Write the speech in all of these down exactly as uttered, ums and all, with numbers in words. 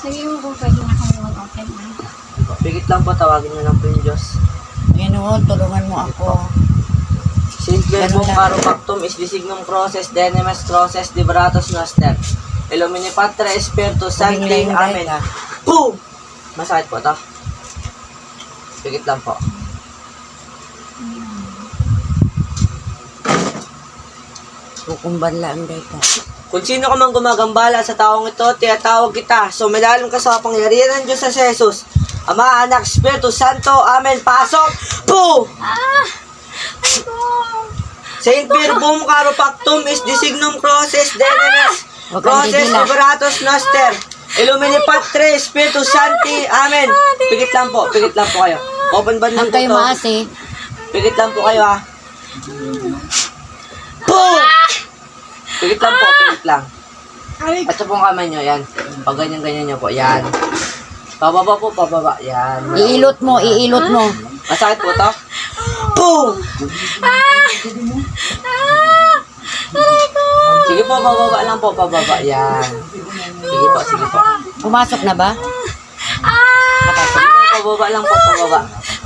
Sige mo kung pwede na kami mag-open na. Pigit lang po, tawagin niyo lang po yung Diyos. Ginoon, tulungan mo ako. Sint verbum Ganun lang. caro pactum is designum crosses, denemes crosses, liberatus noster. Illumini Patre Spiritus Sancti. Humingi na yung Amen. right, ah. Boom! Masakit po to. Pigit lang po. Kukumban lang dito. Kung sino ka man gumagambala sa taong ito, tinatawag kita. Sumilalim ka sa kapangyarihan ng Diyos sa Jesus. Ama, Anak, Espiritu Santo. Amen. Pasok! Boom! Ah! Ay ko! Saint Verbum caro pactum is designum crosses, denemes Huwag kang crosses, gigila. liberatus noster. Illumini Patre Spiritus Sancti. Amen. Pigit lang po. Pigit lang po kayo. Open band lang Ang po kayo to. maasi. Pigit lang po kayo ha. Boom! Pigit lang po. Pigit lang. Ay, Ito pong kamay nyo. Yan. Pag ganyan-ganyan nyo po. Yan. Pababa po. Pababa. Yan. Iilot mo, iilot mo. Masakit po to. Boom! ah! Ah! Ay ko! Sige po. Pababa lang po. Pababa. Yan. Sige po. Sige po. Pumasok na ba? Ah! Sige po. Pababa lang po. Pababa.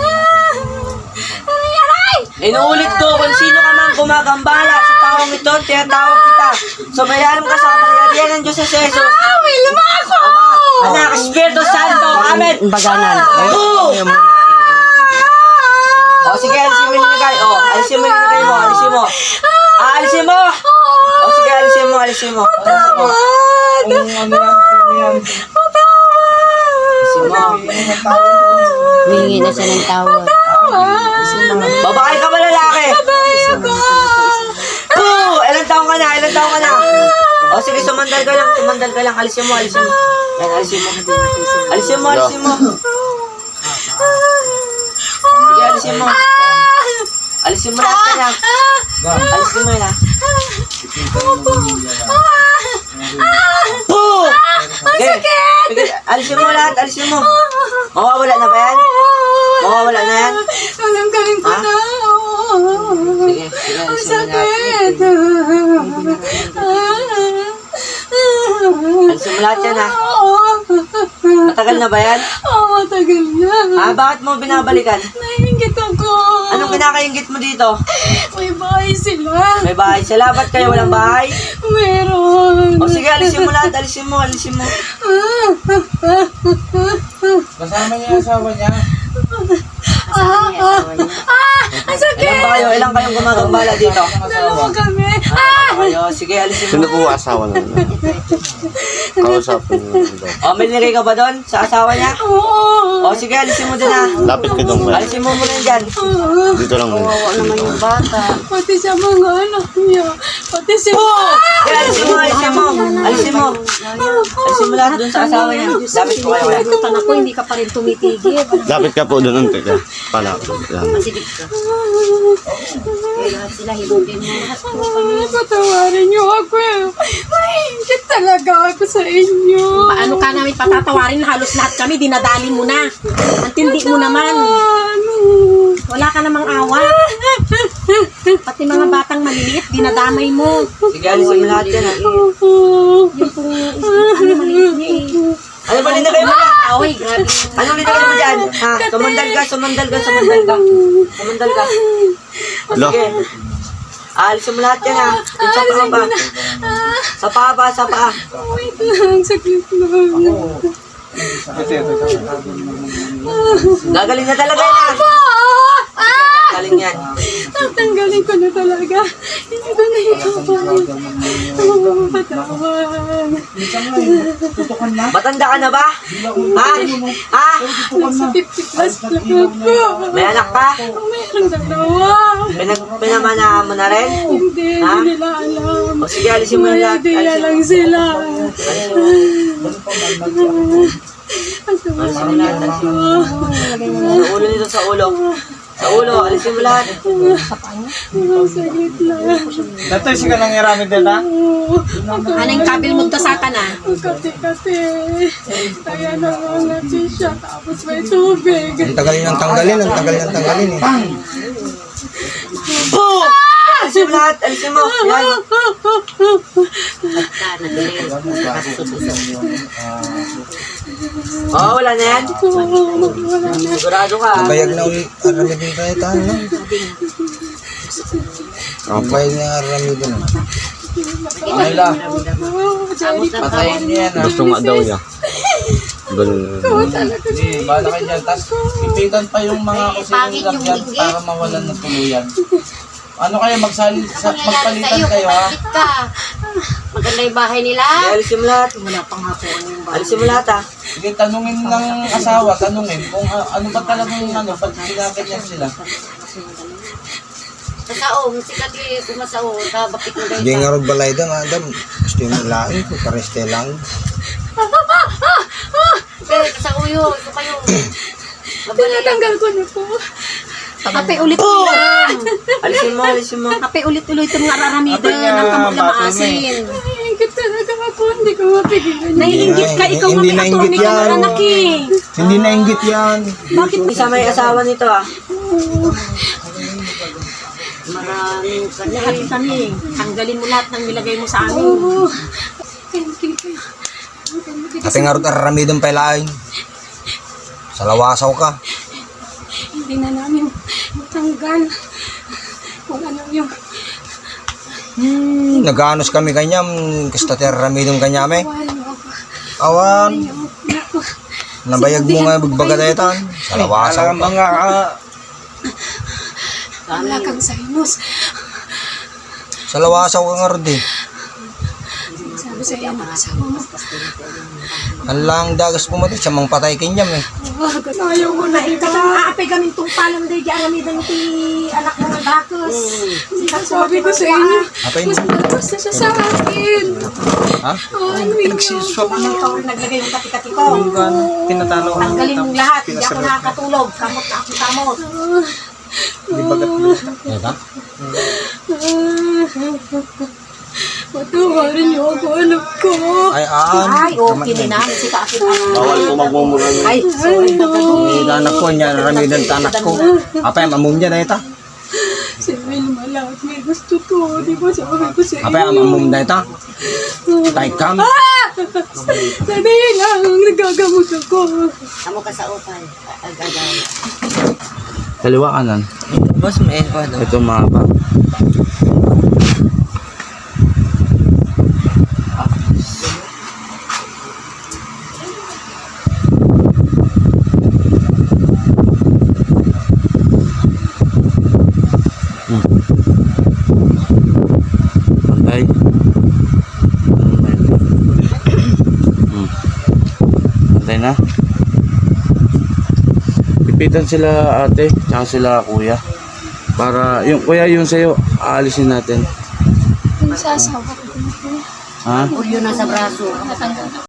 Ay, aray! Inuulit ko, kung sino ka man gumagambala sa taong ito, tinatawag kita. Sumayalam ka sa kapangyarihan ng Diyos sa Jesus. Ah, may luma ako! Anak, Espiritu Santo. Amen. Baganan. Boom! O sige, alisin mo yung nilagay. O, alisin mo yung nilagay mo. Alisin mo. Ah, alisin mo. O sige, alisin mo. Alisin mo. Alisin mo. Alisin mo. Humingi na siya ng tawad. Babae ka ba lalaki? Boo! Ilan taong ka na? Ilan taong ka na? O sige, sumandal ka lang. Sumandal ka lang. Alisin mo. Alisin mo. Yan, alisin mo. Alisin mo. Alisin mo. Sige, alisin mo. Alisin mo lahat ka na. Alisin mo yun ha. Boo! Sige. Sige, alisin mo lahat. Alisin mo. Mawawala na ba yan? Mawawala na yan? Alam-galing ko Ha? na. Sige, sige, Ang alisin mo lahat. sakit. Alisin mo lahat yan ha. Matagal na ba yan? Oo, matagal na. Ah, bakit mo binabalikan? Nainggit ako. Anong kinakaingit mo dito? May bahay sila. May bahay sila. Ba't kayo walang bahay? Meron. O sige, alisin mo lahat. Alisin mo, alisin mo. Kasama niya yung asawa niya. Ah, ah, ah, ang sakit. Ilan ba kayo? Ilan kayong gumagambala dito? Dalawa kami. Ah, kayo. Sige, alisin Sino mo. po asawa na? Kausapin mo doon. O, may nilagay ka ba doon? Sa asawa niya? Oo. O sige, alisin mo doon ha. Lapit ka doon ba? Alisin mo muna yun dyan. Dito lang muna. Naman yung bata. Pati sa mga anak niya. Pati si... Sige, alisin mo, alisin mo. Alisin mo. Alisin mo lahat doon sa asawa niya. Lapit po kayo. kaya. Tutan ako, hindi ka pa rin tumitigil. Lapit ka po doon. Unti ka. Pala. Yan. Masigit ka. Kaya lahat sila hilugin mo. Lahat po kami. Ah, patawarin niyo ako. Maingit talaga ako sa inyo. Paano ka namin patatawarin? Halos lahat kami, dinadali mo na. Ang tindi mo naman. Ano? Wala ka namang awa. Pati mga batang maliliit, dinadamay mo. Sige, alisin mo lahat yan ha. Yung pong, ano, maliit niya eh. Ano ba linagay mo? Away, grabe. Anong linagay mo dyan? Ha? Sumandal ka, sumandal ka, sumandal ka. Sumandal ka. O Lo. sige. Alisin mo lahat yan ha. Yung sa paa ba? Sa paa ba? Sa paa. Wait lang, saglit lang. Gagaling na talaga yan ha. Ah! Gagaling yan. Tatanggalin ko na talaga. Hindi ko na ipapalik. Oh, patawan. Tutukan na. Matanda ka na ba? Ha? Ha? Nasa fifty plus na ako. May anak pa? Meron dalawa. Pinag pinamana mo na rin? Hindi, Ha? hindi nila alam. O sige, alisin mo yung May lahat. idea Alisin lang mo. sila. Alisin mo lahat. Alisin mo. Sa ulo nito, sa ulo. Sa ulo, alisin mo lahat. Oh, saglit lang. Datoy siya lang iramid dito. Oh, Anong kabil mo ka sa na? kati-kati. Kaya nangangati siya. Tapos may tubig. Ang tagal niyang tanggalin, ang tagal niyang tanggalin eh. Boom! Alisin alisin mo lahat. Alisin mo. Yan. Basta, nagaliw. Oo, wala na yan. Sigurado ka. ah. Bayag na ulit aramidin tayo tayo, no? Ang bayag na aramidin. Ayla, patayin niya yan ha. Gusto nga daw niya. Ganun. Hindi, bala kayo dyan. Tapos ipitan pa yung mga Pangit kusinong yung dyan binggit. para mawalan ng tuluyan. Ano kayo, magsali, sa, Ano nangyari magpalitan sa'yo? kayo ha? Kumapit ka. Maganda yung bahay nila. Sige, alisin mo lahat. Wala pang hapuan yung bahay. Alisin mo lahat ah. Sige, tanungin ng asawa, tanungin kung uh, ano ba talagang ano, pag pinaganyan sila. Kasaong, sikat yung kumasaong. Kabapit mo Hindi dahil nga rin balay da, madam. Gusto yung lain, pareste lang. Pero kasauyo, ito kayo. Mabalay. Tinatanggal ko na po. Kape ulit-ulit. Alisin mo, alisin mo. Kape ulit-ulit yung nga raramidin. Kape nga, Ang kamot na bata mo maasin. Naiingit talaga ako. Hindi ko mapigilan. Naiingit ka, ikaw Hindi nga may nainggit attorney ka yan. na anak eh. Hindi nainggit yan. Bakit Isa may asawa nito ah. Maraming lahat kanil. kami? Tanggalin mo lahat ng nilagay mo sa amin. Oo. Thank you. Kasi nga rin aramidin pa lain. Sa lawasaw ka. Hindi na namin matanggal. Kung ano yung Hmm, nag-anos kami kanya, gusto tayo aramidin kanya me. wala ako. Awan, Naku. nabayag mo nga bagbaga tayo tan. Sa lawasaw Alam ka. mga ah, Wala kang sinus. Sa lawasaw ka nga rin eh. Sabi sa iyo ng asawa mo. Ang lang dagas pumatay, siya mang patay kanya me. Wag, ayaw ko na ito. Aaapay kami itong palang day di aramidan ti anak mo ng bakos. Sabi ko sa inyo, Apay mas mo. malakas na siya sa akin. Ha? Oh, ano yun? nagsiswap Ano ikaw rin naglagay ng kati-kati ko. tinatalo ko. Tanggalin mong lahat. Hindi ako nakakatulog. Kamot na ako kamot. Eka? Patawarin niyo ako, anak ko. Ay, aan. Ay, okay na. Si Kakin. Bawal po magmumura niya. Ay, sorry. Hindi anak ko niya, naramidan ta anak ko. Apay, mamum niya na ita. Si Wilma lang, may gusto to. Di ba sabi ko sa Apay, inyo? mamum na ita. Tay kam. Sandali lang, nagagamot ako. Amo ka sa upay. Agagaw. Kaliwa kanan. Boss, may ko daw. Ito mahaba. Hmm. Pantay. Hmm. Pantay na. Pipitan sila ate, tsaka sila kuya. Para, yung kuya yung sa'yo, aalisin natin. Yung sa asawa ko. Ha? Ulyo na sa braso.